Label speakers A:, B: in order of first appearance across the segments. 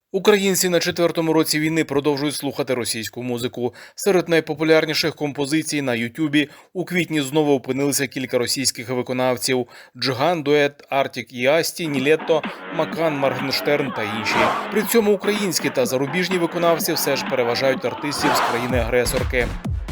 A: Українці на четвертому році війни продовжують слухати російську музику. Серед найпопулярніших композицій на Ютубі у квітні знову опинилися кілька російських виконавців: Джиган, Дует, Артік і Асті, Нілетто, Макан, Моргенштерн та інші. При цьому українські та зарубіжні виконавці все ж переважають артистів з країни-агресорки.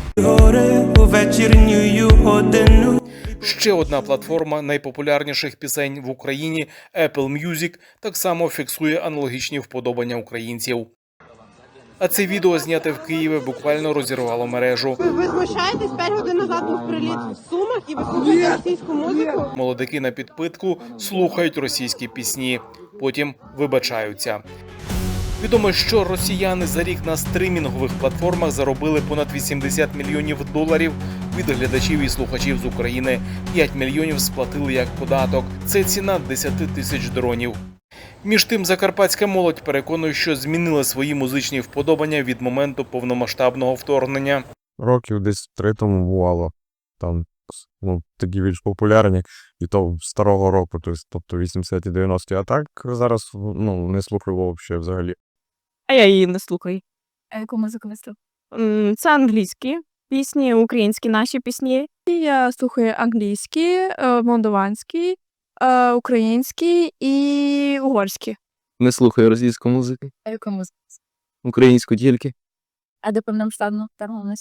A: Ще одна платформа найпопулярніших пісень в Україні – Apple Music, так само фіксує аналогічні вподобання українців. А це відео, зняте в Києві, буквально розірвало мережу.
B: Ви знущаєтесь, 5 годин назад був приліт в Сумах і ви слухаєте російську музику?
A: Молодики на підпитку слухають російські пісні, потім вибачаються. Відомо, що росіяни за рік на стримінгових платформах заробили понад 80 мільйонів доларів від глядачів і слухачів з України. 5 мільйонів сплатили як податок. Це ціна 10 тисяч дронів. Між тим, закарпатська молодь переконує, що змінила свої музичні вподобання від моменту повномасштабного вторгнення.
C: Років десь 3 тому бувало. Там такі більш популярні, і то старого року, тобто 80-ті, 90-ті. А так зараз не слухаю взагалі.
D: А я її не слухаю.
E: А яку музику ви слухаєте?
D: Це англійські пісні, українські наші пісні.
E: Я слухаю англійські, молдаванські, українські і угорські.
F: Не слухаю російську музику,
E: А яку музику?
F: українську тільки.
E: А до повномасштабного вторгнення?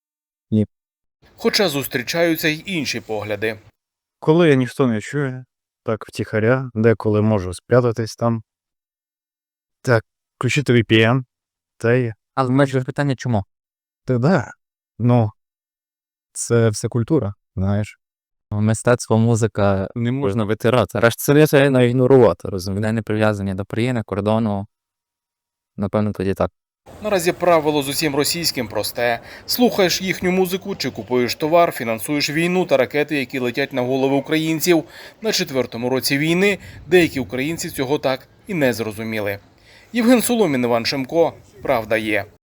A: Хоча зустрічаються й інші погляди.
G: Коли ніхто не чує, так втіхаря, деколи можу спрятатись там. Так, включити VPN, та й...
F: Але в мене питання чому?
G: Та да, це все культура, знаєш.
F: Мистецтво, музика не можна витирати. Решта це ігнорувати, розумієте, не прив'язані до країни, кордону. Напевно, тоді так.
A: Наразі правило з усім російським просте. Слухаєш їхню музику чи купуєш товар, фінансуєш війну та ракети, які летять на голови українців. На четвертому році війни деякі українці цього так і не зрозуміли. Євген Соломін, Іван Шемко. Правда є.